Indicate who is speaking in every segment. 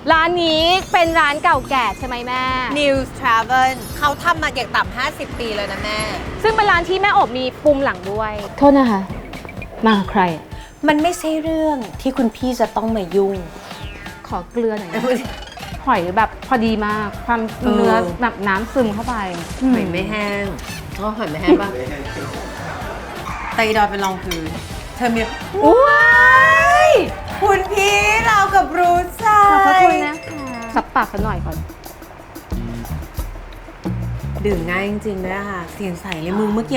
Speaker 1: ร้านนี้เป็นร้านเก่าแก่ใช่ไหมแม่
Speaker 2: News Travel เขาทำมาอย่างต่ำ50 ปีเลยนะแม่
Speaker 1: ซึ่งเป็นร้านที่แม่อบมีปุ่มหลังด้วย โทษนะคะ มาใคร
Speaker 2: มันไม่ใช่เรื่องที่คุณพี่จะต้องมายุ่ง
Speaker 1: ขอเกลือหน่อยนะหอยแบบพอดีมาก ความเนื้อแบบน้ำซึมเข้าไป
Speaker 2: หอยไม่แห้งอ๋อหอยไม่แห้งป่ะไตดอยเป็นรองพื้นเธอมีว้ายคุณพี่เรากับรู้ใจ
Speaker 1: ขอบพระคุณนะคะสับปากกันหน่อยก่อน
Speaker 2: ดื่มง่ายจริงๆด้วยค่ะ เสียงใสเลยมึงเมื่อกี้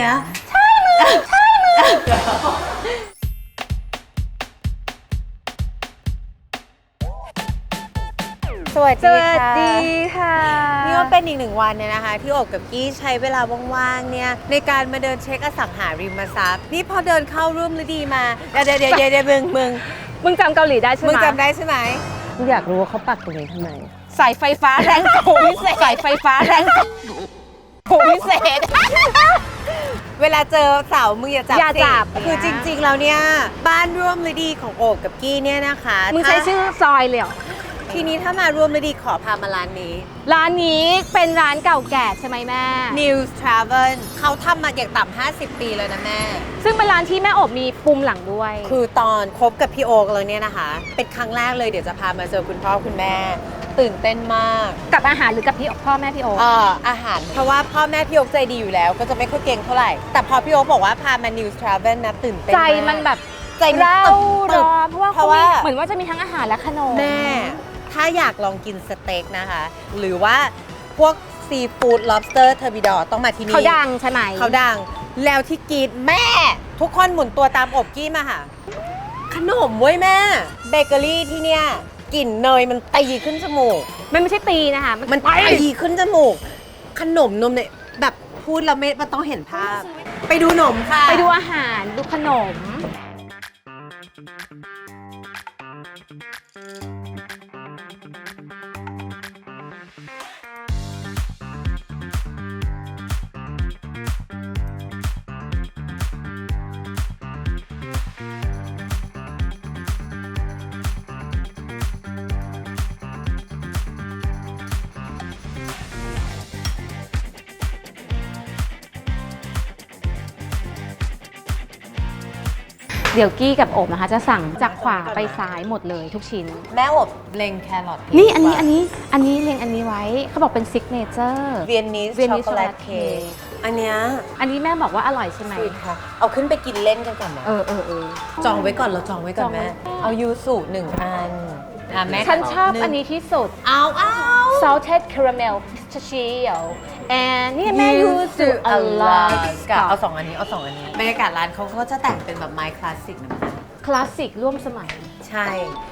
Speaker 2: สวัส
Speaker 1: ส
Speaker 2: ดี
Speaker 1: วัส
Speaker 2: ค่ะ
Speaker 1: ดีค่ะ
Speaker 2: นี่ก็เป็นอีกหนึ่งวันเนี่ยนะคะ ที่โอบกับกี้ใช้เวลาว่างๆเนี่ยในการมาเดินเช็คอสังหาริมทรัพย์นี่พอเดินเข้าร่วมฤดีมาเดี๋ยวมึง
Speaker 1: จำเกาหลีได้ใช่ไหม
Speaker 2: มึงจำได้ใช่ไหม
Speaker 3: อยากรู้ว่าเขาปักตรงนี้ทำไม
Speaker 1: สายไฟฟ้าแรงสูงพิเศษสายไฟฟ้าแรงสูงพิเศษ
Speaker 2: เวลาเจอเสามึงอย่าจับ
Speaker 1: อย่าจับ
Speaker 2: สิคือจริงๆแล้วเนี่ยบ้านร่วมฤดีของโอบกับกี้เนี่ยนะคะ
Speaker 1: มึงใช้ชื่อซอยเลยเหรอ
Speaker 2: ทีนี้ถ้ามาร่วมฤดีขอพามาร้านนี้
Speaker 1: ร้านนี้เป็นร้านเก่าแก่ใช่ไหมแม่
Speaker 2: News Travel เขาทำมาอย่างต่ำ50 ปีเลยนะแม่
Speaker 1: ซึ่งเป็นร้านที่แม่อบมีปุ่มหลังด้วย
Speaker 2: คือตอนคบกับพี่โอ๊กแล้วเนี่ยนะคะ เป็นครั้งแรกเลยเดี๋ยวจะพามาเจอคุณพ่อคุณแม่ ตื่นเต้นมาก
Speaker 1: กับอาหารหรือกับพี่พ่อแม่พี่โอ๊ค
Speaker 2: อาหาร เพราะว่าพ่อแม่พี่โอ๊กใจดีอยู่แล้ว ก็จะไม่ค่อยเก่งเท่าไหร่ แต่พอพี่โอ๊กบอกว่าพามา News Travel นะตื่นเต้น
Speaker 1: ใจ
Speaker 2: มาก
Speaker 1: มันแบบ
Speaker 2: ใจมัน
Speaker 1: เร่า
Speaker 2: ตึบ
Speaker 1: ร้อนเพราะว่า
Speaker 2: เพ
Speaker 1: เขา
Speaker 2: ราะว่า
Speaker 1: มีเหมือนว่าจะมีทั้งอาหารและขนม
Speaker 2: แม่ ถ้าอยากลองกินสเต็กนะคะ หรือว่าพวกซีฟู้ด lobster turbidor ต้องมาที่นี่
Speaker 1: เขาดังใช่ไหม
Speaker 2: เขาดัง แล้วที่กรีดแม่ ทุกคนหมุนตัวตามอบกี้มาค่ะ ขนมเว้ยแม่ เบเกอรี่ที่เนี่ยกลิ่นเนยมันตีขึ้นจมูก
Speaker 1: มันไม่ใช่ตีนะคะ
Speaker 2: มันตีขึ้นจมูก ขนมนมเนี่ยแบบพูดแล้วไม่มันต้องเห็นภาพ ไปดูหนมค่ะ
Speaker 1: ไปดูอาหารดูขนม เดี๋ยวกี้กับโอบนะคะจะสั่งจากขวาไปซ้ายหมดเลยทุกชิ้น
Speaker 2: แม่อบเล็งแครอท
Speaker 1: นี่อันนี้เรียงอันนี้ไว้เขาบอกเป็นซิกเนเจอร์
Speaker 2: เวียนนิส
Speaker 1: Viennese
Speaker 2: ช็อกโกแลต
Speaker 1: chocolate
Speaker 2: เค้ก
Speaker 1: cake
Speaker 2: อันเนี้ย
Speaker 1: อันนี้แม่บอกว่าอร่อยใช่ไหม
Speaker 2: สวีทค่ะ เอาขึ้นไปกินเล่นกันก่อนไหม
Speaker 1: เออ
Speaker 2: จองไว้ก่อนเราจองไว้ก่อนแม่
Speaker 1: จองไว้
Speaker 2: เอายูสุ1 อันแม่
Speaker 1: ฉันชอบ
Speaker 2: หง
Speaker 1: อันนี้ที่สุด
Speaker 2: เอา
Speaker 1: salted caramel pistachio and นี่แม่ยูสุอลาส
Speaker 2: กับเอา2 อันนี้เอา2 อันนี้บรรยากาศร้านเขาก็จะแต่งเป็นแบบไม้คลาสสิกนะ
Speaker 1: คลาสสิกร่วมสมัย
Speaker 2: ใช่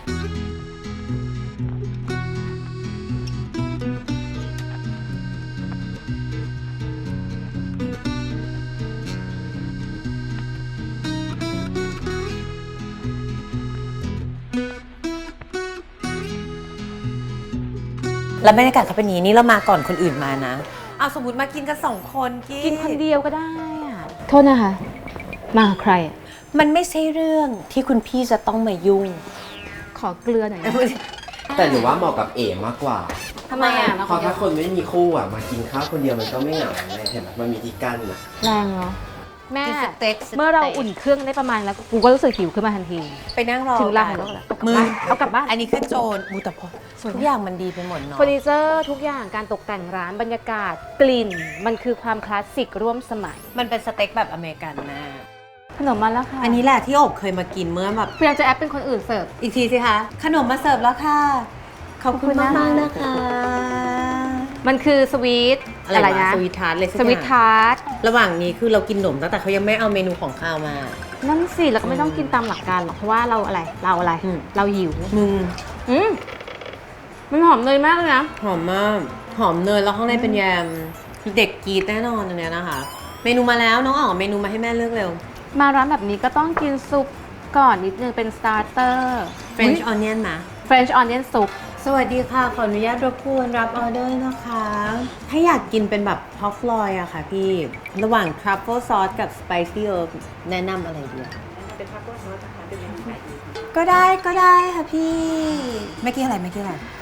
Speaker 2: แล้วบรรยากาศเขาเป็นอย่างนี้นี่เรามาก่อนคนอื่นมานะ เอาสมมติมากินกัน2 คนกิ
Speaker 1: กินคนเดียวก็ได้อะโทษนะคะ มาใครอะ
Speaker 2: มันไม่ใช่เรื่องที่คุณพี่จะต้องมายุ่ง
Speaker 1: ขอเกลือหน่อยนะ
Speaker 4: แต่หนูว่าเหมาะกับเอ๋มากกว่า
Speaker 1: ทำไมอ่ะ
Speaker 4: เพราะถ้าคนไม่มีคู่อ่ะ มากินข้าวคนเดียวมันก็ไม่เหงาไงเห็นไหมมันมีที่กั้นอ่ะ
Speaker 1: แรงเนาะแม่
Speaker 2: กินสเต็ก
Speaker 1: เมื่อเราอุ่นเครื่องได้ประมาณแล้วกูก็รู้สึกหิวขึ้นมาทันที
Speaker 2: ไปนั่งรอ
Speaker 1: ถึงเวลาของเราแล้ว
Speaker 2: มือ
Speaker 1: เอากลับบ้าน
Speaker 2: อันนี้คือโจรบูแต่พอ
Speaker 1: สวยไหม
Speaker 2: ทุกอย่างมันดีไปหมดเนาะ
Speaker 1: เฟอร์นิเจอร์ทุกอย่างการตกแต่งร้านบรรยากาศกลิ่น มันคือความคลาสสิกร่วมสมัย
Speaker 2: มันเป็นสเต็กแบบอเมริกันนะ
Speaker 1: ขนมมาแล้วค่ะ
Speaker 2: อันนี้แหละที่โอบเคยมากินเมื่อแบบ
Speaker 1: พยายามจะแอปเป็นคนอื่นเสิร์ฟ
Speaker 2: อีกทีสิคะ ขนมมาเสิร์ฟแล้วค่ะ ขอบคุณ
Speaker 1: ขอบคุณ
Speaker 2: มาก
Speaker 1: นะคะ
Speaker 2: ๆนะคะ
Speaker 1: มันคือสวีท
Speaker 2: อะไร
Speaker 1: นะ
Speaker 2: สวีททาร์ตเลยสัก
Speaker 1: ส
Speaker 2: อย่ง
Speaker 1: วีททาร์ต
Speaker 2: ระหว่างนี้คือเรากินขนมตั้งแต่เขายังไม่เอาเมนูของข้าวมา
Speaker 1: นั่นสิแล้วก็ไม่ต้องกินตามหลักการหรอกเพราะว่าเราอะไร
Speaker 2: อืม
Speaker 1: เราหิว
Speaker 2: มึง
Speaker 1: มันหอมเนยมากเลยนะ
Speaker 2: หอมมาก หอมเนยแล้วข้างในเป็นแยม เด็กกรีดแน่นอนอันเนี้ยนะคะ เมนูมาแล้วน้องอ๋อเมนูมาให้แม่เลือกเร็ว
Speaker 1: มาร้านแบบนี้ก็ต้องกินซุปก่อนนิดนึงเป็นสตาร์เตอร์
Speaker 2: French onion นะ
Speaker 1: French onion soup
Speaker 2: สวัสดีค่ะ ขออนุญาตรบกวนรับออเดอร์นะคะ ถ้าอยากกินเป็นแบบพอฟลอยอะค่ะพี่ ระหว่าง truffle sauce กับ spicy herb แนะนำอะไรดีเป็น truffle sauce นะคะเป็นก็ได้ค่ะพี่ ไม่กี่อะไร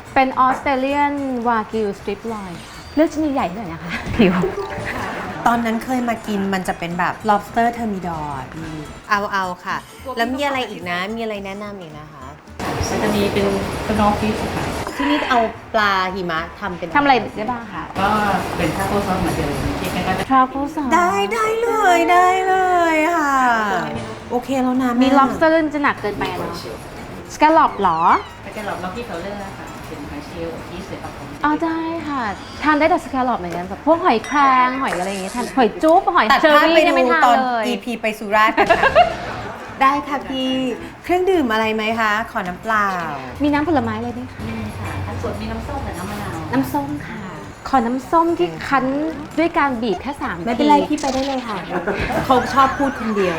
Speaker 1: เป็นออสเตรเลียนวากิวสตริปลอยเลือกชิ้นใหญ่ๆหน่อยนะคะผิว
Speaker 2: ตอนนั้นเคยมากินมันจะเป็นแบบ lobster thermidor อะพี่เอาค่ะ แล้วมีอะไรอีกนะ มีอะไรแนะนำอีกนะคะ
Speaker 5: มันจะมีเป็นสโนว์ฟิชค่ะ
Speaker 2: ที่นี่เอาปลาหิมะทำเป็น
Speaker 1: ทำอะไรได้บ้างคะ
Speaker 5: ก็เป็นทาโก้ซอสเหมือนเดิมที่แกก็จะ
Speaker 1: Truffle sauce
Speaker 2: ได้เลยค่ะ โอเคแล้วนะ
Speaker 1: มี
Speaker 2: แ
Speaker 1: lobster จะหนักเกินไปเนาะ scallop เหรอ
Speaker 5: ก็จะหลอกล็อกกี้เคาน์เตอร์ค่ะ เป็นหอยเชลล์ที่เสือปะพง
Speaker 1: อ๋อได้ค่ะ ทานได้แต่ scallop เหมือนกันแบบพวกหอยแครงหอยอะไรอย่างเงี้ยทานหอยจุ๊บหอย
Speaker 2: ตัด
Speaker 1: เชอ
Speaker 2: ภาพ
Speaker 1: รี่
Speaker 2: ไป
Speaker 1: เนี่ยไม่
Speaker 2: ดู
Speaker 1: ทาน
Speaker 2: ตอน
Speaker 1: เลย
Speaker 2: EP ไปสุราษฎร์กันค่ะ ได้ค่ะพี่ เครื่องดื่มอะไรไหมคะ ขอน้ำเปล่า
Speaker 1: มีน้ำผลไม้อะไรไหมคะ
Speaker 5: นี่ค่ะอันสดมีน้ำส้มกับน้ำมะนาว
Speaker 1: น้ำส้มค่ะ ขอน้ำส้มที่คั้นด้วยการบีบแค่3
Speaker 2: ไม่เป็นไรพี่ไปได้เลยค่ะ เขาชอบพูดคนเดียว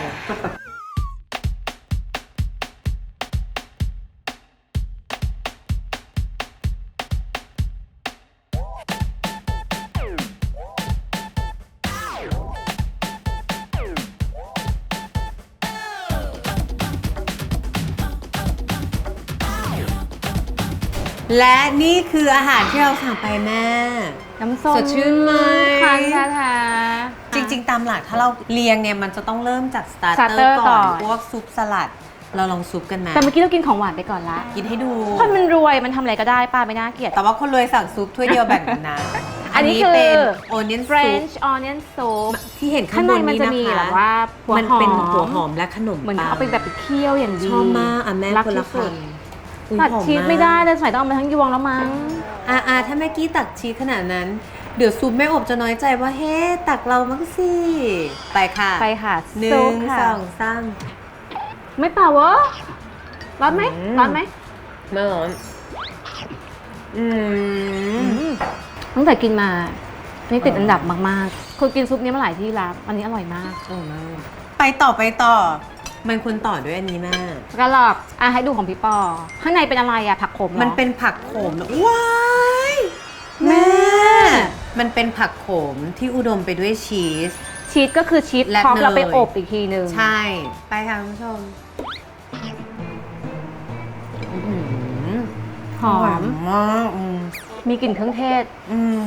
Speaker 2: และนี่คืออาหารที่เราสั่งไปแม่
Speaker 1: น้ำส้ม
Speaker 2: สดชื่นไหม
Speaker 1: คั้นแท้
Speaker 2: จริง ๆ ตามหลักถ้าเราเรียงเนี่ยมันจะต้องเริ่มจากสตาร์เตอ
Speaker 1: starter
Speaker 2: ร์ก่
Speaker 1: ก่
Speaker 2: อ
Speaker 1: อน น
Speaker 2: พวกซุปสลัด เราลองซุปกันไหม
Speaker 1: แต่เมื่อกี้เรากินของหวานไปก่อนละ
Speaker 2: กินให้ดู
Speaker 1: คนมันรวยมันทำอะไรก็ได้ป้าไม่น่าเกลียด
Speaker 2: แต่ว่าคนรวยสั่งซุปถ้วยเดียวแบ่งกันนะ
Speaker 1: อันนี้คือ
Speaker 2: เป็น onion soup
Speaker 1: French onion soup
Speaker 2: ที่เห็นข้า
Speaker 1: ข้าง ง
Speaker 2: บ
Speaker 1: ใน
Speaker 2: น
Speaker 1: มัน
Speaker 2: นี้
Speaker 1: จะ
Speaker 2: นะ
Speaker 1: มี
Speaker 2: คะ
Speaker 1: แบบว่าหัว
Speaker 2: มัน
Speaker 1: หอม
Speaker 2: เป็นหัวหอมและขนม
Speaker 1: เหมือน
Speaker 2: ปัง
Speaker 1: เขาไปแบบไปเคี่ยวอย่างดี
Speaker 2: ชอบมากอ่ะแม่
Speaker 1: รัก
Speaker 2: คนละ
Speaker 1: ที่สุด
Speaker 2: คำอุ๊ย
Speaker 1: ตัด
Speaker 2: หอ
Speaker 1: ชีส
Speaker 2: าก
Speaker 1: ไม่ได้เลยสมัยต้องเอามาทั้งยวงแล้วมั้ง
Speaker 2: ถ้าแม่กี้ตักชีสขนาดนั้น เดี๋ยวซุปแม่อบจะน้อยใจว่าเฮ้ตักเรามั้งสิไปค่ะ
Speaker 1: ไปค่ะ
Speaker 2: หนึ่
Speaker 1: ซุ
Speaker 2: ง
Speaker 1: ปค่ะ
Speaker 2: สองสาม
Speaker 1: ไม่เปล่าวะร้อนไหม
Speaker 2: อืม
Speaker 1: ร้อนไหม
Speaker 2: ไม่ร้อน
Speaker 1: ตั้งแต่กินมานี่ติดอันดับมากๆเคยกินซุปนี้มาหลายที่แล้วอันนี้อร่อยมาก
Speaker 2: ไปต่อ มันควรต่อด้วยอันนี้แม่
Speaker 1: กระหลอกให้ดูของพี่ปอ ข้างในเป็นอะไรอะผักขมเหรอ
Speaker 2: มันเป็นผักโขมเหรอว้ายแม่ มันเป็นผักโขมที่อุดมไปด้วยชีส
Speaker 1: ชีสก็คือชีส
Speaker 2: และ
Speaker 1: พร้อม
Speaker 2: เนย
Speaker 1: เราไปอบอีกทีนึง
Speaker 2: ใช่ ไปค่ะคุณผู้ชม
Speaker 1: หอม
Speaker 2: มาก
Speaker 1: มีกลิ่นเครื่องเทศ
Speaker 2: อืม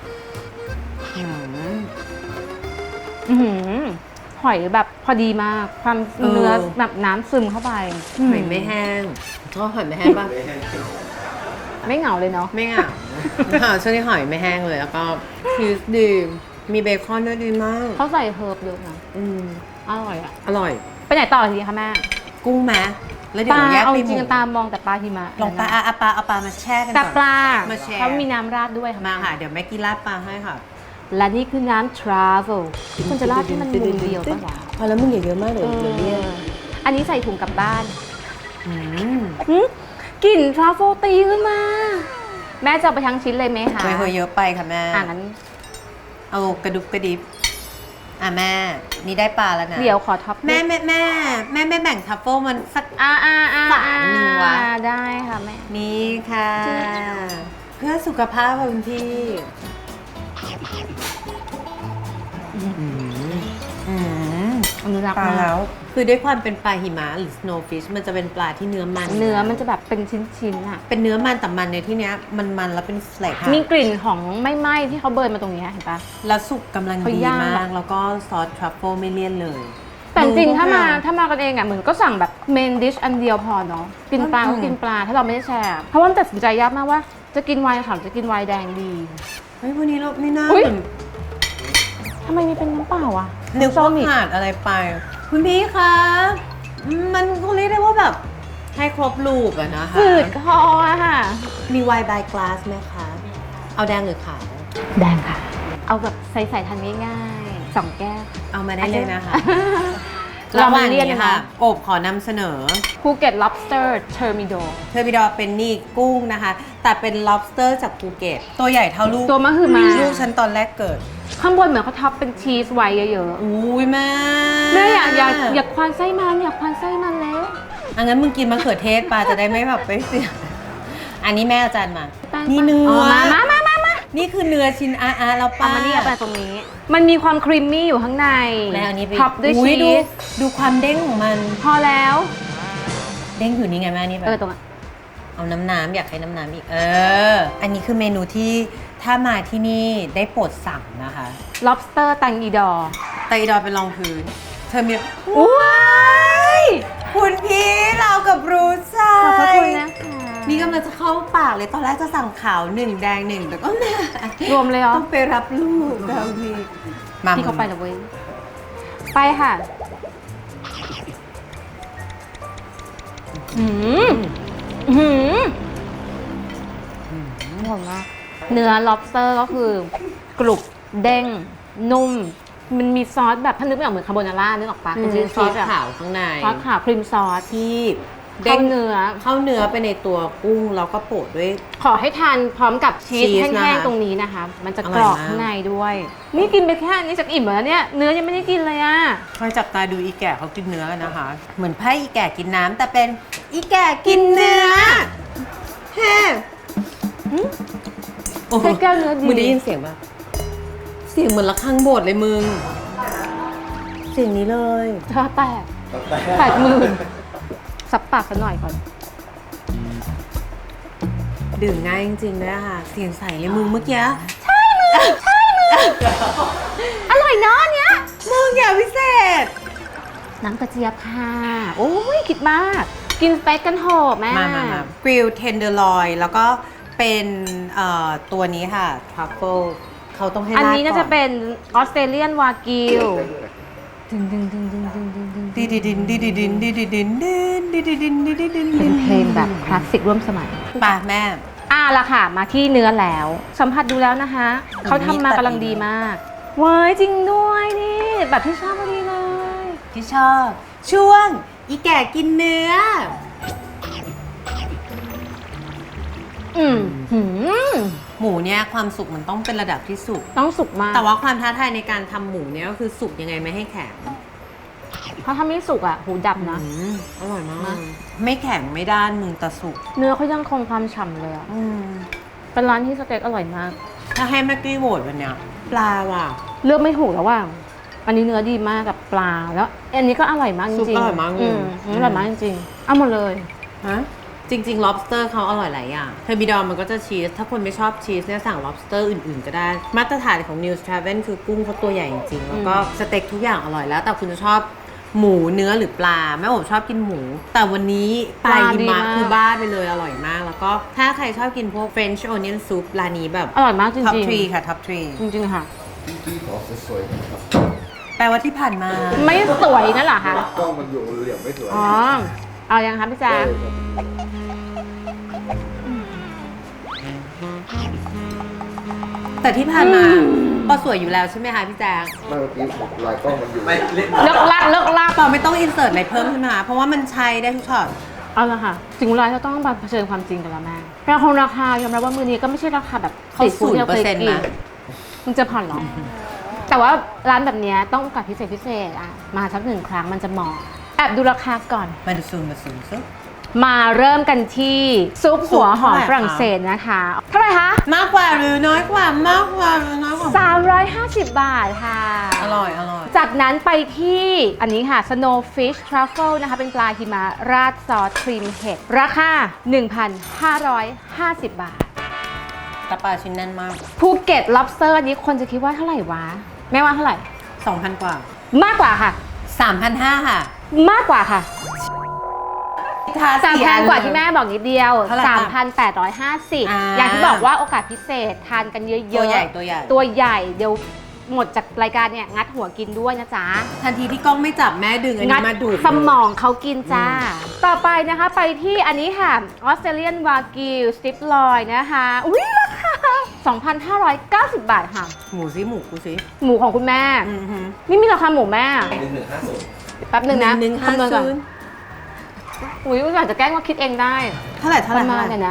Speaker 1: อื้อหือหอยแบบพอดีมาก ความเนื้อแบบน้ำซึมเข้าไป
Speaker 2: หอยไม่แห้งชอบหอยไม่แห้งป่ะ
Speaker 1: ไม่เหงาเลยเนาะ
Speaker 2: ไม่เหงาช่วงนี้หอยไม่แห้งเลย แล้วก็ชีสดีมีเบคอนด้วยดีมาก
Speaker 1: เขาใส่เฮิร์บเยอะนะ
Speaker 2: อืม
Speaker 1: อร่อยอะ
Speaker 2: อร่อย
Speaker 1: ไปไหนต่อทีคะแม่
Speaker 2: กุ้งไหมแล้วเดี๋
Speaker 1: ป
Speaker 2: ยว
Speaker 1: ลา
Speaker 2: แยก
Speaker 1: เอา
Speaker 2: ไป
Speaker 1: จ
Speaker 2: ห
Speaker 1: ริ
Speaker 2: มู
Speaker 1: งๆตามมองแต่ปลาหิมะ
Speaker 2: ลงปลาเอาปลามาแช่กัน
Speaker 1: แต่
Speaker 2: ก่อน
Speaker 1: ปลา
Speaker 2: มาแชร์
Speaker 1: เขามีน้ำราดด้วยค่ะ
Speaker 2: มาค่ะ เดี๋ยวแม่กี้ราดปลาให้ค่ะ
Speaker 1: และนี่คือน้ำ travel คุณจะราดให้มันมุมเดียวป่ะวะ
Speaker 2: พอแล้วมึงอย่าเยอะมากเลยเดี๋ยวเลี่ยน
Speaker 1: อันนี้ใส่ถุงกลับบ้าน
Speaker 2: อืม
Speaker 1: กลิ่น travel ตีขึ้นมา แม่จะเอาไปทั้งชิ้นเลยไหมคะ
Speaker 2: เฮ้ยเยอะไปค่ะแม่
Speaker 1: งั้น
Speaker 2: เอากระดุบกระดิบแม่นี่ได้ปลาแล้วนะ
Speaker 1: เดี๋ยวขอท็อป
Speaker 2: แม่แบ่งทัฟเฟิลมันสัก ฝาหนึ่งวะ
Speaker 1: ได้ค่ะแม่
Speaker 2: นี่ค่ะ เพื่อสุขภาพค่ะคุณพี่
Speaker 1: อนุรักษ์
Speaker 2: ปลาม
Speaker 1: าก
Speaker 2: แล้ว คือด้วยความเป็นปลาหิมะหรือ snowfish มันจะเป็นปลาที่เนื้อมัน
Speaker 1: เนื้อมันจะแบบเป็นชิ้นๆอะ
Speaker 2: เป็นเนื้อมันแต่มันในที่เนี้ยมันแล้วเป็นเฟลกค่ะ
Speaker 1: มีกลิ่นของไม่ไหม้ที่เขาเบิร์นมาตรงนี้เห็นปะ
Speaker 2: แล้วสุกกำลัง
Speaker 1: เขา
Speaker 2: ดี
Speaker 1: ย่าง
Speaker 2: มา
Speaker 1: แบ
Speaker 2: ก
Speaker 1: บ
Speaker 2: แล้วก็ซอสทรัฟเฟิลไม่เลี่ยนเลย
Speaker 1: แต่จริงๆ
Speaker 2: ดู
Speaker 1: ถ้ามา
Speaker 2: ค่ะ
Speaker 1: ถ้ามากันเองอ่ะเหมือนก็สั่งแบบเมนดิชอันเดียวพอเนาะกินปลาก็กินปลาถ้าเราไม่ได้แชร์เพราะว่ามันตัดสินใจยากมากว่าจะกินไวน์ขาวจะกินไวน์แดงดี
Speaker 2: เฮ้ยวันนี้เราไม่น่า
Speaker 1: อุ๊ย
Speaker 2: เหมือน
Speaker 1: ทำไมมีเป็นน้ำเปล่าอ่ะ
Speaker 2: นึก
Speaker 1: ส้
Speaker 2: ว่าม
Speaker 1: อีก
Speaker 2: ขาดอะไรไป คุณพี่คะมันก็เรียกได้ว่าแบบให้ครบรูปอะนะคะ
Speaker 1: ฝืดคออะค่ะ
Speaker 2: มีไวน์บายกลาสไหมคะ เอาแดงหรือขาว
Speaker 1: แดงค่ะ เอาแบบใส่ๆทานง่ายๆ2 แก้ว
Speaker 2: เอามาได้เลยนะคะ
Speaker 1: เรา
Speaker 2: ระห
Speaker 1: มา
Speaker 2: ว่าง
Speaker 1: เรียน
Speaker 2: นี้
Speaker 1: นะ
Speaker 2: ค่ะ
Speaker 1: คะ
Speaker 2: โอบขอนำเสนอ
Speaker 1: ภูเก็ต lobster thermidor
Speaker 2: เทอร์บิดอเป็นนี่กุ้งนะคะ แต่เป็น lobster จากภูเก็ต ตัวใหญ่เท่าลูก
Speaker 1: ตัวมะฮือมา
Speaker 2: ลูกฉันตอนแรกเกิด
Speaker 1: ข้างบนเหมือนเขาท็อปเป็นชีสไว้เยอะ
Speaker 2: อุ้ยแม่
Speaker 1: ๆแม่อยากควานไส้มันอยากควานไส้มันแล้ว
Speaker 2: อังั้นมึงกินมะเขือเทศปลาจะได้ไม่แบบไปเสีย อันนี้แม่อาจารย์มา
Speaker 1: แป้ง
Speaker 2: นี่เนื้อ
Speaker 1: มา
Speaker 2: นี่คือเนื้อชิ้นแล้วป้า
Speaker 1: เอามานี่เอาไปตรงนี้ มันมีความครีมมี่อยู่ข้างใน
Speaker 2: แล้วอันนี้ไป
Speaker 1: ท็อปด้วย
Speaker 2: อุ๊
Speaker 1: ชี
Speaker 2: ดู
Speaker 1: ส
Speaker 2: ดูความเด้งของมัน
Speaker 1: พอแล้ว
Speaker 2: เด้งอยู่นี่ไงแม่นี่แบบ
Speaker 1: ตรงนั้น
Speaker 2: เอาน้ำอยากให้น้ำอีกอันนี้คือเมนูที่ถ้ามาที่นี่ได้โปรดสั่งนะคะ
Speaker 1: lobster ตังอีดอร์
Speaker 2: ไตดอยเป็นรองพื้น เธอมี
Speaker 1: ว้าย
Speaker 2: คุณพี่เรากับรู้ใจ
Speaker 1: ขอบพระคุณนะคะ
Speaker 2: นี่กำลังจะเข้าปากเลยตอนแรกจะสั่งขาว1แดง1แต่ก็แม่
Speaker 1: รวมเลยเหรอ
Speaker 2: ต้องไปรับลูกแล้วพี่มา
Speaker 1: พี่เขาไปแล้วเว้ย ไปค่ะหืมหืมหอมมากเนื้อ lobster ก็คือกรุบเด้ง นุ่ม มันมีซอสแบบถ้านึกไม่ออกเหมือนคาโบนาร่านึกออกปะเป็น
Speaker 2: ซอส
Speaker 1: อะ
Speaker 2: ขาวข้างใน
Speaker 1: ซอสขาวครีมซอส
Speaker 2: ที่
Speaker 1: เข้าเนื้อ
Speaker 2: เข้าเนื้อไปในตัวกุ้งแล้วก็โปะด้วย
Speaker 1: ขอให้ทานพร้อมกับชีส
Speaker 2: ชีส
Speaker 1: แห้
Speaker 2: นะคะ
Speaker 1: งๆตรงนี้นะคะ มันจะ
Speaker 2: อก ร่
Speaker 1: ร
Speaker 2: อย
Speaker 1: อบ
Speaker 2: มาก
Speaker 1: ข้างในด้วย นี่กินไปแค่นี้จากอิ่มแล้วเนี่ย เนื้อยังไม่ได้กินเลยอะ
Speaker 2: คอยจับตาดูอีแก่เขากินเนื้อกันนะคะ เหมือนไพ่อีแก่กินน้ำแต่เป็นอีแก่กินเนื้อแฮ่โอ้โห
Speaker 1: ใช้แก้วเนื้อดี
Speaker 2: มึงได้ยินเสียงปะเสียงเหมือนระฆังโบสถ์เลยมึง เสียงนี้เลย
Speaker 1: ถ้าแตก80,000สับปากกันหน่อยก่อน
Speaker 2: ดื่มง่ายจริงๆด้วยค่ะ เสียงใสเลยมึงเมื่อกี้
Speaker 1: อร่อยเนาะเนี้ย
Speaker 2: มึงอย่าพิเศษ
Speaker 1: น้ำกระเจี๊ยบค่ะ โอ้ยคิดมาก กินสเต็กกันโหแม่
Speaker 2: มากริลเทนเดอร์ลอยแล้วก็เป็นตัวนี้ค่ะทรัฟเฟิลเขาต้องให้
Speaker 1: อัน
Speaker 2: ราด
Speaker 1: นี้น่าจะ
Speaker 2: ก่
Speaker 1: เป็นออสเตรเลียนวากิวดึง
Speaker 2: ดิดิดินดิดิดินดิดิดินดินดิดิดินดิดิดิน
Speaker 1: เป็นเพลงแบบคลาสสิกร่วมสมัย
Speaker 2: ป่ะแม่
Speaker 1: ละค่ะ มาที่เนื้อแล้ว สัมผัสดูแล้วนะคะ เขาทำมากำลังดีมากเว้ยจริงด้วยนี่ แบบที่ชอบพอดีเลย
Speaker 2: ที่ชอบ ช่วง อีแก่กินเนื้อ
Speaker 1: หืม
Speaker 2: หมูเนี่ยความสุกมันต้องเป็นระดับที่สุก
Speaker 1: ต้องสุกมาก
Speaker 2: แต่ว่าความท้าทายในการทำหมูเนี่ยก็คือสุกยังไงไม่ให้แข็ง
Speaker 1: เพราะถ้าไม่สุกอ่ะ หูดับนะ
Speaker 2: อร่อยมาก ไม่แข็งไม่ด้านมึงแต่สุก
Speaker 1: เนื้อเขายังคงความฉ่ำเลยอ่ะ เป็นร้านที่สเต็กอร่อยมาก
Speaker 2: ถ้าให้แม็กกี้โหวตวันเนี้ยปลาว่ะ
Speaker 1: เลือกไม่ถูกแล้วว่า อันนี้เนื้อดีมากกับปลาแล้ว อันนี้ก็อร่อยมากจ
Speaker 2: ซุป
Speaker 1: ริง
Speaker 2: อร่อยมากเลย
Speaker 1: อร่อยมากจริงๆเอาหมดเลย
Speaker 2: ฮะจริงๆ lobster เขาอร่อยหลายอย่างเทอร์มิดอลมันก็จะชีส ถ้าคนไม่ชอบชีสเนี่ยสั่ง lobster อื่นๆ ก็ได้ มาตรฐานของ News Travel คือกุ้งเขาตัวใหญ่จริงๆ แล้วก็สเต็กทุกอย่างอร่อยแล้ว แต่คุณจะชอบหมูเนื้อหรือปลาแม่ผมชอบกินหมู แต่วันนี้ปลาหิมะคือบ้าไปเลยอร่อยมาก แล้วก็ถ้าใครชอบกินพวก French onion soup ร้านนี้แบบ
Speaker 1: อร่อยมากจริง
Speaker 2: top
Speaker 1: ๆ
Speaker 2: 3 ค่ะ top
Speaker 1: จริงๆค่ะ
Speaker 4: พี่ขอสวยๆครับ
Speaker 2: 3 แปลว่าที่ผ่านมา
Speaker 1: ไม่สวยนั่นเหรอคะ
Speaker 4: กล้องมันอยู่เหลี่ยมไม่สวย
Speaker 1: อ๋อ เอายังคะพี่แจ๊ค
Speaker 2: แต่ที่ผ่านมาปอสวยอยู่แล้วใช่ไหมคะพี่แจ๊ค
Speaker 4: เมื่อกี้ลายกล้องมันอยู่ไม่เล่น
Speaker 1: เลิกลาก
Speaker 2: ปอไม่ต้องอินเสิร์ตอะไรเพิ่มใช่ไหมคะเพราะว่ามันใช้ได้ทุกช็อต
Speaker 1: เอาละค่ะ ถึงเวลาเราต้องมาเผชิญความจริงกันแล้วแม่ราคาราคายอมรับว่ามือนี้ก็ไม่ใช่ราคาแบบ
Speaker 2: เขา
Speaker 1: ติดฟูดที่เราเคย
Speaker 2: 0%
Speaker 1: กิน
Speaker 2: นะ
Speaker 1: มึงจะผ่อนหรอ แต่ว่าร้านแบบเนี้ยต้องโอกาสพิเศษอ่ะ มาสักหนึ่งครั้งมันจะเหมาะแอบดูราคาก่อน
Speaker 2: มาดูซูมซึ
Speaker 1: มาเริ่มกันที่ซุปหัวหอม
Speaker 2: ซุปเท่าไหร่คะ
Speaker 1: ฝรั่งเศสนะคะ เท่าไหร่คะ
Speaker 2: มากกว่าหรือน้อยกว่ามากกว่าหรือน้อยกว่า
Speaker 1: 350 บาทค่ะ
Speaker 2: อร่อย
Speaker 1: จากนั้นไปที่อันนี้ค่ะ Snowfish Truffle นะคะ เป็นปลาหิมะราดซอสครีมเห็ด ราคา 1,550 บาท
Speaker 2: ตะปลาชิ้นแน่นมาก
Speaker 1: ภูเก็ต lobster อันนี้คนจะคิดว่าเท่าไหร่วะ แม่ว่าเท่าไหร่
Speaker 2: 2,000 กว่า
Speaker 1: มากกว่าค่ะ
Speaker 2: 3,500 ค่ะ
Speaker 1: มากกว่าค่ะ
Speaker 2: ทา
Speaker 1: แต่
Speaker 2: สี
Speaker 1: แพงกว่าที่แม่บอกนิดเดียว
Speaker 2: เท่าไหร่คะ
Speaker 1: 3,850 อย่างที่บอกว่าโอกาสพิเศษทานกันเยอะๆ
Speaker 2: ตัวใหญ่
Speaker 1: ตัวใหญ่เดี๋ยวหมดจากรายการเนี่ยงัดหัวกินด้วยนะจ๊ะ
Speaker 2: ทันทีที่กล้องไม่จับแม่ดึงอัน
Speaker 1: งั
Speaker 2: นี้มาดูด
Speaker 1: สมองเขากินจ้า ต่อไปนะคะไปที่อันนี้ค่ะออสเตรเลียนวากิวสติปลอยนะคะ อุ้ยราคา 2,590 บาทค่ะ
Speaker 2: หมูกูสิ
Speaker 1: หมูของคุณแม่ นี่มีราคาหมูแม่
Speaker 4: 1150
Speaker 1: แป๊บหนึ่งนะ
Speaker 2: 1,150
Speaker 1: คำนวณก่อนอุ้ยอยากจะแกล้งว่าคิดเองได้
Speaker 2: เท่าไหร่
Speaker 1: ประมาณเนี่ยนะ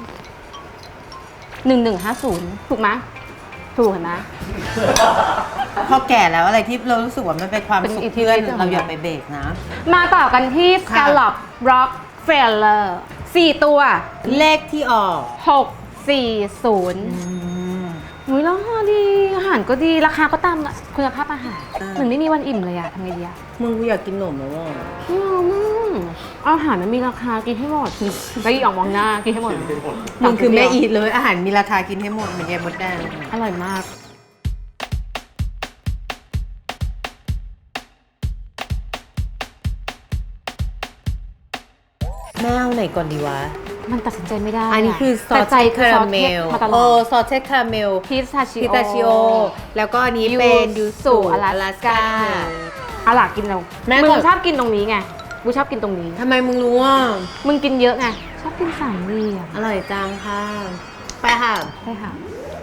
Speaker 1: 1150 ถูกไหมถูกเห็นไหม
Speaker 2: พอแก่แล้วอะไรที่เรารู้สึกว่ามันเป็นความ
Speaker 1: เป็น
Speaker 2: สุข
Speaker 1: อิทธิ
Speaker 2: เพื่อน
Speaker 1: ฤทธิ์ของ
Speaker 2: เราอย่าไปเบรกนะ
Speaker 1: มาต่อกันที่
Speaker 2: ค่ะ
Speaker 1: Scallop Rockefeller 4 ตัว
Speaker 2: เลขที่ออก
Speaker 1: 640 อุ้ยแล้วดีอาหารก็ดีราคาก็ตามคุณภาพอาหารเหมือนไม่มีวันอิ่มเลยอะทำไงดีอะ
Speaker 2: มึงกูอยากกินหนมแล้วว่ะ
Speaker 1: อาหารมันมีราคากินให้หมดไปอีกออกมองหน้ากินให้หมด
Speaker 2: มึงคือแม่อีทเลยอาหารมีราคากินให้หมดเหมือนยายมดแดง
Speaker 1: อร่อยมาก
Speaker 2: แม่เอาไหนก่อนดีวะ
Speaker 1: มันตัดสินใจไม่ได้
Speaker 2: อันนี้คือซอ
Speaker 1: แต่
Speaker 2: ส
Speaker 1: ใจ
Speaker 2: คาราเมล
Speaker 1: มาตล
Speaker 2: โอ้
Speaker 1: อด
Speaker 2: ซอสเชดคาราเมล
Speaker 1: พิสตาชิ
Speaker 2: พิตาชิโอ แล้วก็อันนี้
Speaker 1: ยู
Speaker 2: เป็นยู
Speaker 1: สุ
Speaker 2: สุ
Speaker 1: อลาสก้าอะล่ะกินเรา
Speaker 2: แม่
Speaker 1: มึ
Speaker 2: ก่
Speaker 1: ง
Speaker 2: อน
Speaker 1: ชอบกินตรงนี้ไงกูชอบกินตรงนี้
Speaker 2: ทำไมมึงรู้ว่า
Speaker 1: มึงกินเยอะไงชอบกินสามเหลี่ยม
Speaker 2: อร่อยจังค่ะ ไปค่ะ
Speaker 1: ใช่ค่ะ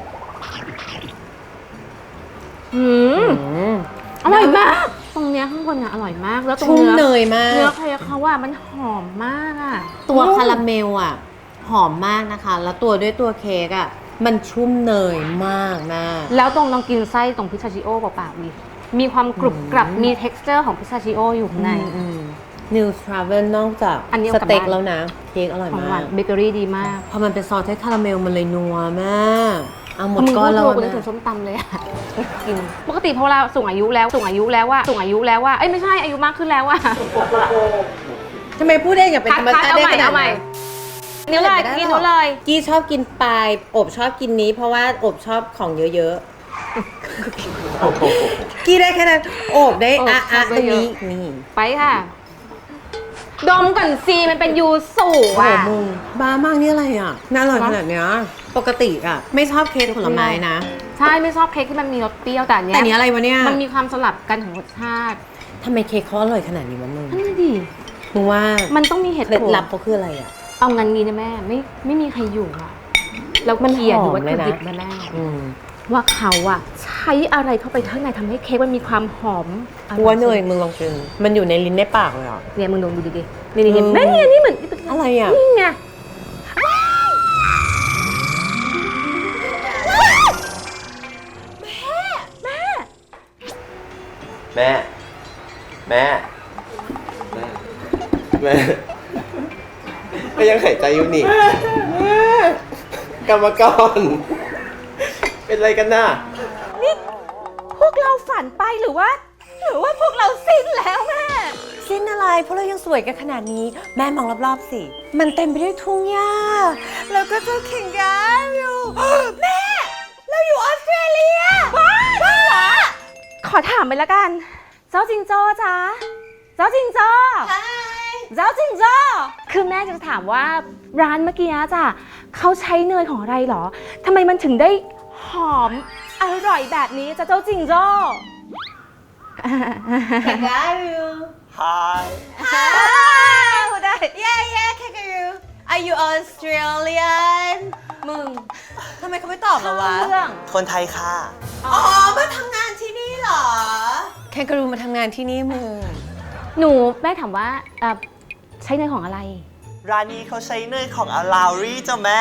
Speaker 1: อืมอร่อยมาก ตรงเนี้ยข้างบนอ่ะอร่อยมากแล้วตรง
Speaker 2: ชุ่ม
Speaker 1: เนื้
Speaker 2: เนยมาก
Speaker 1: เนื้อเค้กเขาว่ามันหอมมากอ่ะ
Speaker 2: ตัวคาราเมลอ่ะ หอมมากนะคะ แล้วตัวด้วยตัวเค้กอ่ะ มันชุ่มเนยมากนะ
Speaker 1: แล้วตรงลองกินไส้ตรงพิซซาชิโอเปล่าๆดิมีความกรุบกรับมี texture ของพิซซาชิโออยู่ข้างใน
Speaker 2: New Travel นอกจาก
Speaker 1: อันนี้
Speaker 2: ส
Speaker 1: เอากลับ
Speaker 2: เต็ก
Speaker 1: บ้าน
Speaker 2: แล้วนะ เค้กอร่อย
Speaker 1: ของหวาม
Speaker 2: าน ก
Speaker 1: เบเกอรี่ดีมาก
Speaker 2: พอมันเป็นซอสเทสคาราเมลมันเลยนัวมาก เอาหมด
Speaker 1: มึง
Speaker 2: ก้อนแล้ว
Speaker 1: พูดถูกกูนึ
Speaker 2: นะ
Speaker 1: กถึงส้มตำเลยอะกินปกติพอเราสูงอายุแล้วว่าเอ้ยไม่ใช่อายุมากขึ้นแล้วว่า
Speaker 2: ทำไมพูดได้อย่างเป็นธรรมชาติได้ขนาด
Speaker 1: เอาใหม่
Speaker 2: นั้น
Speaker 1: นิ้วเลยกินนิ้วเลย
Speaker 2: กี้ชอบกินปลายอบชอบกินนี้ เพราะว่าอบชอบของเยอะๆ กี้ได้แค่นั้นอบได้
Speaker 1: อบชอบ
Speaker 2: ตรง
Speaker 1: เยอะ
Speaker 2: นี้นี่
Speaker 1: ไปค่ะ ดมก่อนซีมันเป็นยูสุ
Speaker 2: โอ้โห
Speaker 1: อ่ะ
Speaker 2: มึงบ้ามากนี่อะไรอ่ะน่าอร่อยขนาดเนี้ยปกติอ่ะ ไม่ชอบเค้กผลไม้นะ
Speaker 1: ใช่ไม่ชอบเค้กที่มันมีรสเปรี้ยวแต่อันเนี้
Speaker 2: แต่
Speaker 1: ย
Speaker 2: เนี้ยอะไรวะเนี่ย
Speaker 1: มันมีความสลับกันของรสชาติ
Speaker 2: ทำไมเค้กเขาอร่อยขนาดนี้วะมึง
Speaker 1: นั่นน่ะดิ
Speaker 2: มึงว่า
Speaker 1: มันต้องมีเหตุ
Speaker 2: เคล็ด
Speaker 1: ผล
Speaker 2: ลับเขาคืออะไรอ่ะ
Speaker 1: เอางั้นนี้นะแม่ไม่มีใครอยู่อ่ะแล้วเคลียร์ดูวัตถุดิบนะแม่
Speaker 2: อืม
Speaker 1: ว่าเขาอะใช้อะไรเข้าไปข้างในทำให้เค้กมันมีความหอม
Speaker 2: กูว่าเนยมึงลองกินมันอยู่ในลิ้นในปากเลยอ่ะ
Speaker 1: เนี่ยมึงลองดูดินี่แม่นี่เหมือน
Speaker 2: อะไรอ่ะ
Speaker 1: นี่ไง
Speaker 4: แม่ แม่ แม่ ก็ยังหายใจอยู่นี่ กรรมกร เป็นอะไรกันน่ะ
Speaker 1: พวกเราฝันไปหรือว่าพวกเราสิ้นแล้วแม่
Speaker 2: สิ้นอะไรเพราะเรายังสวยกันขนาดนี้ แม่มองรอบๆสิ มันเต็มไปด้วยทุ่งหญ้า แล้วก็เจ้าเข่งกาอยู่ แม่ เราอยู่ออสเตรเลีย
Speaker 1: บ้าเหรอขอถามไปแล้วกัน เจ้าจิงโจ้จ๊ะเจ้าจิงโจ้เจ้าจิงโจ้คือแม่จะถามว่าร้านเมื่อกี้จ้ะเขาใช้เนยของอะไรเหรอทำไมมันถึงได้หอมอร่อยแบบนี้จ้ะเจ้าจิงโจ้
Speaker 6: Hi.
Speaker 2: ได้ yeah kangaroo are you Australian มึงทำไมเขาไม่ตอบเราวะ
Speaker 1: เรื่อง
Speaker 6: คนไทยค่ะ
Speaker 2: อ๋อ มาทำงานที่นี่เหรอ แคนการูมาทำงานที่นี่มึง
Speaker 1: หนูแม่ถามว่าใช้เนยของอะไร
Speaker 6: ร้านนี้เขาใช้เนยของอาลาวรี่จ้ะแม่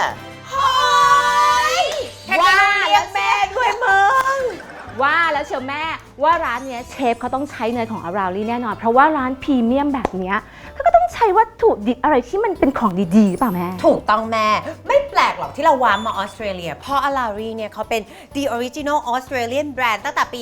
Speaker 2: แคนการูเรียกแม่ด้วยมึง
Speaker 1: ว่าแล้วเชียวแม่ว่าร้านเนี้ยเชฟเขาต้องใช้เนยของอาราลี่แน่นอน เพราะว่าร้านพรีเมียมแบบเนี้ยเขาก็ต้องใช้วัตถุดิบอะไรที่มันเป็นของดีๆหรือเปล่าแม่
Speaker 2: ถูกต้องแม่ ไม่แปลกหรอกที่เราว้ามาออสเตรเลีย เพราะอาลารีเนี่ยเขาเป็น The Original Australian Brand ตั้งแต่ปี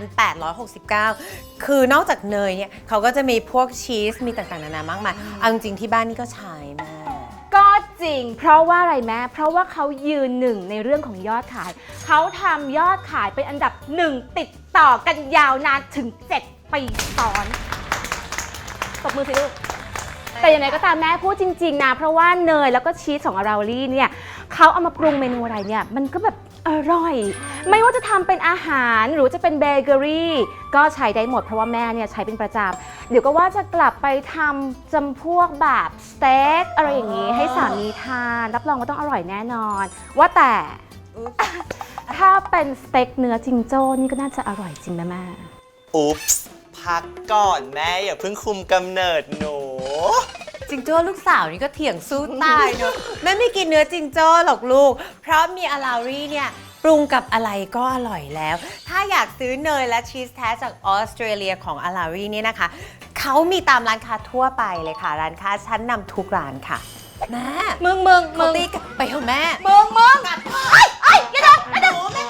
Speaker 2: 1869 คือนอกจากเนยเนี่ยเขาก็จะมีพวกชีส มีต่างๆ นานามากมายเอาจริงๆที่บ้านนี่ก็ใช้แม่
Speaker 1: ก็จริง เพราะว่าอะไรแม่เพราะว่าเขายืนหนึ่งในเรื่องของยอดขาย เขาทำยอดขายเป็นอันดับหนึ่งติดต่อกันยาวนานถึง 7 ปีซ้อนตบมือสิลูก แต่อย่างไรก็ตามแม่พูดจริงๆนะเพราะว่าเนยแล้วก็ชีสของอาราลี่เนี่ยเขาเอามาปรุงเมนูอะไรเนี่ยมันก็แบบอร่อย ไม่ว่าจะทำเป็นอาหารหรือจะเป็นเบเกอรี่ก็ใช้ได้หมดเพราะว่าแม่เนี่ยใช้เป็นประจำเดี๋ยวก็ว่าจะกลับไปทำจำพวกแบบสเต็กอะไรอย่างนี้ให้สามีทานรับรองว่าต้องอร่อยแน่นอน ว่าแต่ ถ้าเป็นสเต็กเนื้อจิงโจ้นี่ก็น่าจะอร่อยจริงนะแม่
Speaker 6: อุ๊ปส์พักก่อนแม่อย่าเพิ่งคุมกำเนิดหนู
Speaker 2: จิงโจ้ลูกสาวนี่ก็เถียงสู้ตายเนอะแม่ไม่กินเนื้อจิงโจ้หรอกลูก เพราะมีอาลารีเนี่ยปรุงกับอะไรก็อร่อยแล้ว ถ้าอยากซื้อเนยและชีสแท้จากออสเตรเลียของอาลารีเนี่ยนะคะเขามีตามร้านค้าทั่วไปเลยค่ะ ร้านค้าชั้นนำทุกร้านค่ะแม่
Speaker 1: มึง
Speaker 2: เขาตีกันไปเถอะแม่
Speaker 1: มึงไอ้อย่าโดน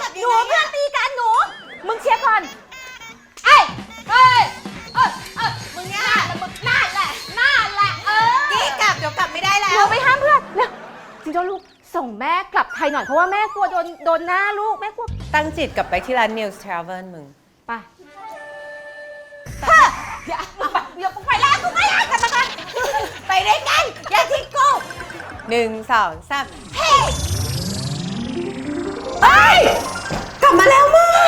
Speaker 1: รหน่อยเพราะว่าแม่กลัวโดนหน้าลูกแม่กลัว
Speaker 2: ตั้งจิตกลับไปที่ร้าน News Travel มึง
Speaker 1: ไปเดี๋ยวกูไปแล้วกูไม่ได้กลับมาก่อนไปได้ไงอย่าทิ้งกู
Speaker 2: 1 2 3 เฮ้ยไปกลับมาแล้วมึง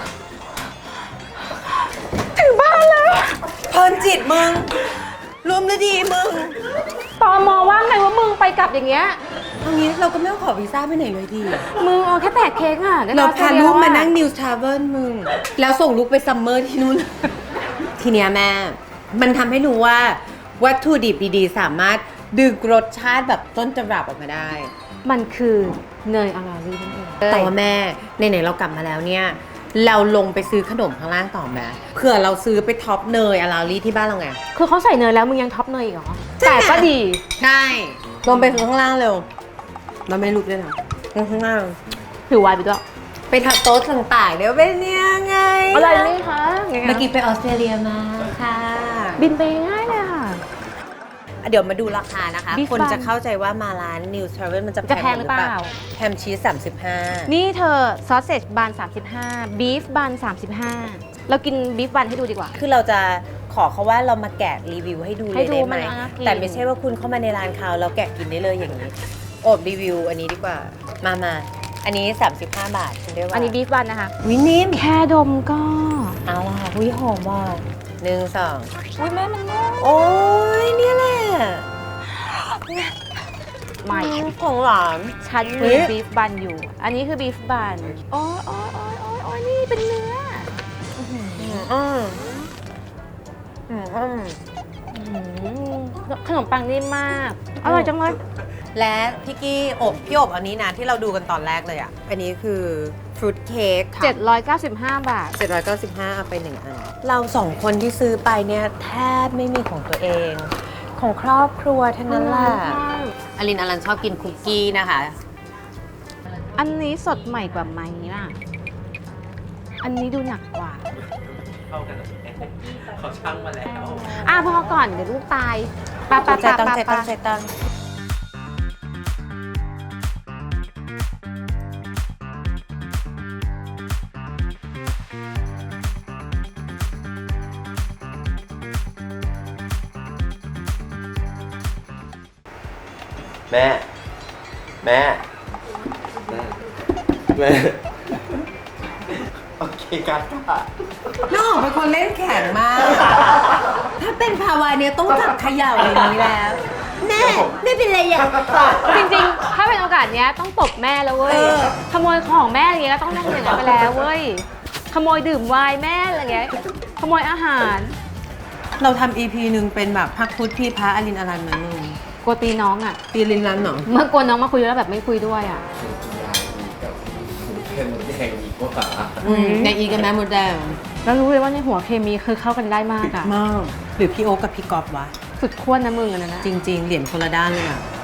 Speaker 1: ถึงบ้านแล้ว
Speaker 2: เพลินจิตมึง รวมฤดีมึง
Speaker 1: ตอมอว่าไงว่ามึงไปกลับอย่างเงี้ย
Speaker 2: เอางี้เราก็ไม่ต้องขอวีซ่าไปไหนเลยดี
Speaker 1: มึงเอาแค่แตกเค้กอ่ะได้
Speaker 2: เรา
Speaker 1: ออสต
Speaker 2: พา
Speaker 1: เลีย
Speaker 2: ลูกมา
Speaker 1: แวอะ
Speaker 2: นั่ง News Travel มึง แล้วส่งลูกไปซัมเมอร์ที่นู่น ทีเนี้ยแม่ มันทำให้รู้ว่า วัตถุดิบดีๆ สามารถดึงรสชาติแบบต้นตำรับออกมาได้
Speaker 1: มันคือเนยอาราลีนั่นเอง
Speaker 2: แต่ว่าแม่ไหนๆเรากลับมาแล้วเนี่ย เราลงไปซื้อขนมข้างล่างต่อไหมเผื่อเราซื้อไปท็อปเนยอาราลี่ที่บ้านเราไง
Speaker 1: คือเขาใส่เนยแล้วมึงยังท็อปเนยอีกเหรอ
Speaker 2: ใช่
Speaker 1: แต่ก็ดี
Speaker 2: ใช่ลงไปข้างล่างเร็ว เราไม่ได้ลุกด้วยนะลงข้างล่าง
Speaker 1: ถือไวน์ไปด้วย
Speaker 2: ไปทับโต๊ะต่างๆเดี๋ยวเป็นยังไง
Speaker 1: อะไรนี่คะไง
Speaker 2: เมื่อกี้ไปออสเตรเลียมาค่ะ
Speaker 1: บินไปง่ายเลยค่ะ
Speaker 2: เดี๋ยวมาดูราคานะคะ
Speaker 1: Beef
Speaker 2: คน
Speaker 1: bun
Speaker 2: จะเข้าใจว่ามาร้าน News Travel มันจะ
Speaker 1: จะแพงหรือเปล่า
Speaker 2: แฮมชีส35
Speaker 1: นี่เธอซอสเซจบาน35บีฟบาน35เรากินบีฟบานให้ดูดีกว่า
Speaker 2: คือเราจะขอเขาว่าเรามาแกะรีวิวให้ดูเล
Speaker 1: ให้
Speaker 2: ย
Speaker 1: ดู
Speaker 2: ได้ไหม
Speaker 1: มันน่ากิน
Speaker 2: แต่ไม่ใช่ว่าคุณเข้ามาในร้านเขาแล้วแกะกินได้เลยอย่างนี้โอบรีวิวอันนี้ดีกว่า มาอันนี้ 35 บาทคุณได้ว่า
Speaker 1: อันนี้บีฟบานนะคะ
Speaker 2: วินิ่ม
Speaker 1: แค่ดมก็
Speaker 2: เอาล่ะวิหอมว่ะ1 2
Speaker 1: อุ้ยแม่มันนุ่ม
Speaker 2: โอ้ยเนี่ยแหละ
Speaker 1: ใหม่
Speaker 2: ของหวาน
Speaker 1: ฉัน
Speaker 2: เฮ้
Speaker 1: มี
Speaker 2: ย
Speaker 1: บีฟบันอยู่ อันนี้คือบีฟบันโอ้ยโอ้ยโอ้ยโอ้ยโอ้ยนี่เป็นเนื้อ ขนมปังนิ่มมาก อร่อยจังเลย
Speaker 2: และพี่กี้พี่อบอันนี้นะที่เราดูกันตอนแรกเลยอ่ะ อันนี้คือฟรุตเค้กค่ะ
Speaker 1: 795 บาท
Speaker 2: 795เอาไป1 อัน เรา2 คนที่ซื้อไปเนี่ยแทบไม่มีของตัวเอง ของครอบครัวทั้งนั้นแหละอลินอลันชอบกินคุกกี้นะคะ
Speaker 1: อันนี้สดใหม่กว่าไหมล่ะ อันนี้ดูหนักกว่า
Speaker 4: เข้ากันเขาช่างมาแล้ว
Speaker 1: พอก่อนเดี๋ยวลูกตายปะ
Speaker 2: ใจตั้ง
Speaker 4: แม่ แม่ แม่ โอเคกา
Speaker 2: น้องเป็นคนเล่นแข็งมาก ถ้าเป็นภาวะเนี้ยต้องจับเขย่าอย่างนี้แล้ว แม่ไม่เป็นไรอย่าง
Speaker 1: จริงๆ ถ้าเป็นโอกาสเนี้ยต้องตบแม่แล้วเว้ย ขโมยของแม่อะไรเงี้ยก็ต้องทำอย่างนั้นไปแล้วเว้ย ขโมยดื่มไวน์แม่อะไรเงี้ย ขโมยอาหาร
Speaker 2: เราทำ EP หนึ่งเป็นแบบพักพุทธพี่พระอลินอลันมานึง
Speaker 1: กลัวตีน้องอ่ะ
Speaker 2: ตีลินรันเหรอ
Speaker 1: เมื่อกลัวน้องมาคุยแล้วแบบไม่คุยด้วยอ่ะ
Speaker 4: เป็นแดงดีกว่า
Speaker 2: ในอีกับแม่มดแดง
Speaker 1: แล้วรู้เลยว่าในหัวเคมีคือเข้ากันได้มากอ่ะ
Speaker 2: มากหรือพี่โอ๊กกับพี่กอบวะ
Speaker 1: สุดขั้วนะมึงอันนั้นนะ
Speaker 2: จริง ๆ เหรียญคนละด้านเลยอ่ะ